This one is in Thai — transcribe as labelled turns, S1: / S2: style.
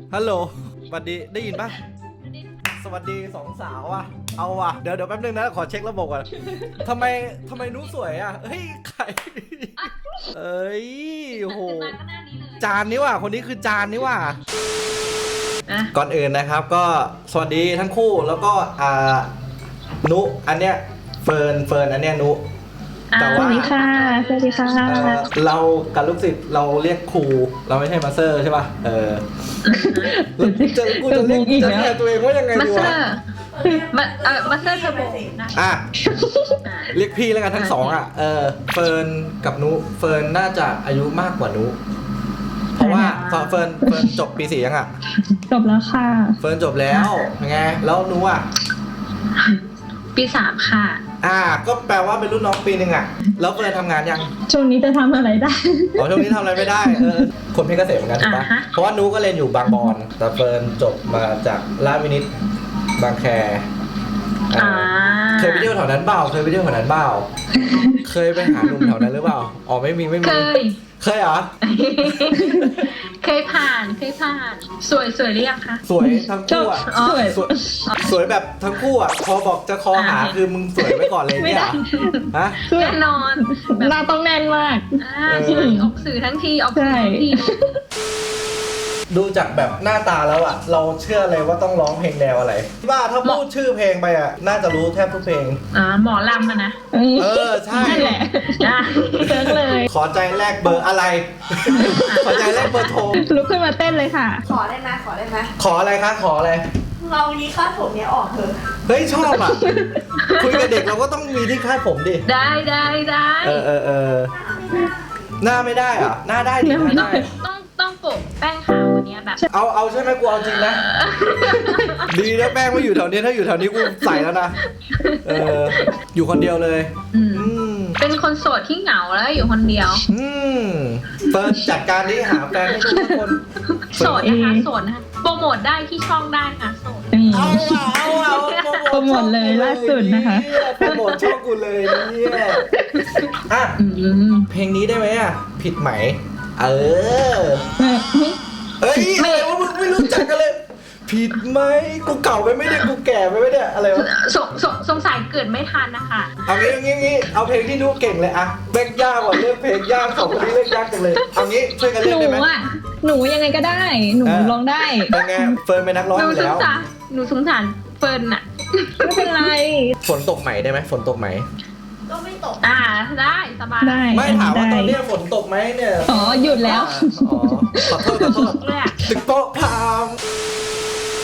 S1: ฮัลโหลสวัสดีได้ยินปะสวัสดีสองสาวอ่ะเอาว่ะเดี๋ยวแป๊บนึงนะขอเช็คระบบก่อนทำไมนุ้สวยอ่ะเฮ้ยใครเอ้ยโหจานนี่ว่ะคนนี้คือจานนี่ว่ะก่อนอื่นนะครับก็สวัสดีทั้งคู่แล้วก็นุอันเนี้ยเฟิร์นอันเนี้ยนุแต่ว่า
S2: สวัสดีค่ะสวัสดีค่ะ
S1: เรากับลูกศิษย์เราเรียกครูเราไม่ใช่มาสเตอร์ใช่ป่ะแล้วกูจะเรียกจะแทนตัวเองว่ายังไงดีวะ
S2: มาสเตอร์เทอร์โบนะ
S1: เรียกพี่แล้วกันทั้งสองอ่ะเฟิร์นกับนุเฟิร์นน่าจะอายุมากกว่านุเพราะว่าเฟิร์นจบปี4ยังอ่ะ
S2: จบแล้วค่ะ
S1: เฟิร์นจบแล้วไงแล้วนุอ่ะ
S2: ปี3ค่ะ
S1: ก็แปลว่าเป็นรุ่นน้องปีนึงอ่ะแล้วเฟิร์นทำงานยัง
S2: ช่วงนี้จะทำอะไรได้
S1: ช่วงนี้ทำอะไรไม่ได้คนเพชรเกษมเหมือนกันถูกปะเพราะว่านุก็เรียนอยู่บางบอนแต่เฟิร์นจบมาจากราชวินิตบางแคเคยไปเที่ยวแถวนั้นเปล่าเคยไปหาหนุ่มแถวนั้นหรือเปล่าไม่มีเคยเหรอ
S2: เคยผ่านสวยหรือยังคะ
S1: สวยทั้งคู่อ่ะสวยแบบทั้งคู่อ่ะพอบอกจะคอหาคือมึงสวยไว้ก่อนเลยเนี่ยฮะ
S2: แน่นอนหน้าต้องแน่นมากออกสื่อทั้งที
S1: ดูจากแบบหน้าตาแล้วอ่ะเราเชื่อเลยว่าต้องร้องเพลงแนวอะไรว่าถ้าพูดชื่อเพลงไปอ่ะน่าจะรู้แทบทุกเพลง
S2: หมอลำนะ
S1: ใช่
S2: นั่นแหละเซิร์ชเลย
S1: ขอใจแรกเบอร์อะไรขอใจแรกเบอร์โทร
S2: ลุกขึ้นมาเต้นเลยค่ะ
S3: ขอได้ไหม
S1: ขออะไรคะขออะไร
S3: เรานี้คาดผมเนี้ยออกเถอะ
S1: เฮ้ยชอบอ่ะคุยกับเด็กเราก็ต้องมีที่คาดผมดิ
S2: ได้
S1: หน้าไม่ได้อ่ะหน้าได้ดิหน้าได้
S2: ต้องโปะแป้งขาววันนี้แบบ
S1: เอาใช่ไหมกูเอาจริงนะดีนะแป้งไม่อยู่แถวนี้ถ้าอยู่แถวนี้กูใส่แล้วนะอยู่คนเดียวเลย
S2: เป็นคนโสดที่เหงาแล้วอยู่คนเดียว
S1: เฟิร์นจัดการนี้หาแฟนให้ทุกคน
S2: โสดนะคะโปรโมทได้ที่ช่องได้ค่ะโสด
S1: เอา
S2: โปรโมทเลยล่าสุดนะคะ
S1: โปรโมทช่องกูเลยเนี่ยเพลงนี้ได้ไหมอ่ะผิดไหมเฮ้ยอะไรวะมึงไม่รู้จักกันเลยผิดไหมกูเก่าไปไม่ได้กูแก่ไปไม่ได้อะไรวะ
S2: สงสัยเกิดไม่ทันนะคะ
S1: เอางี้เอาเพลงที่นุ๊กเก่งเลยอะเลือกยากกว่าเลือกเพลงยากสองคนนี้เลือกยากจังเลยเอางี้ช่วยกันเลือกได้ไหม
S2: หนูยังไงก็ได้หนูร้องได้
S1: เป็นไงเฟิร์นเป็นนักร้องอยู่แล้ว
S2: หนูสงสารเฟิร์นอะไม่เป็นไร
S1: ฝนตกไหมได้ไหมฝนตกไหม
S3: ก็ไม่ตก
S2: ได้สบาย
S1: ไม่ถามว่าตอนนี้ฝนตกไหมเนี่ย
S2: หยุดแล้ว
S1: ขอโทษตึกโป๊ะพา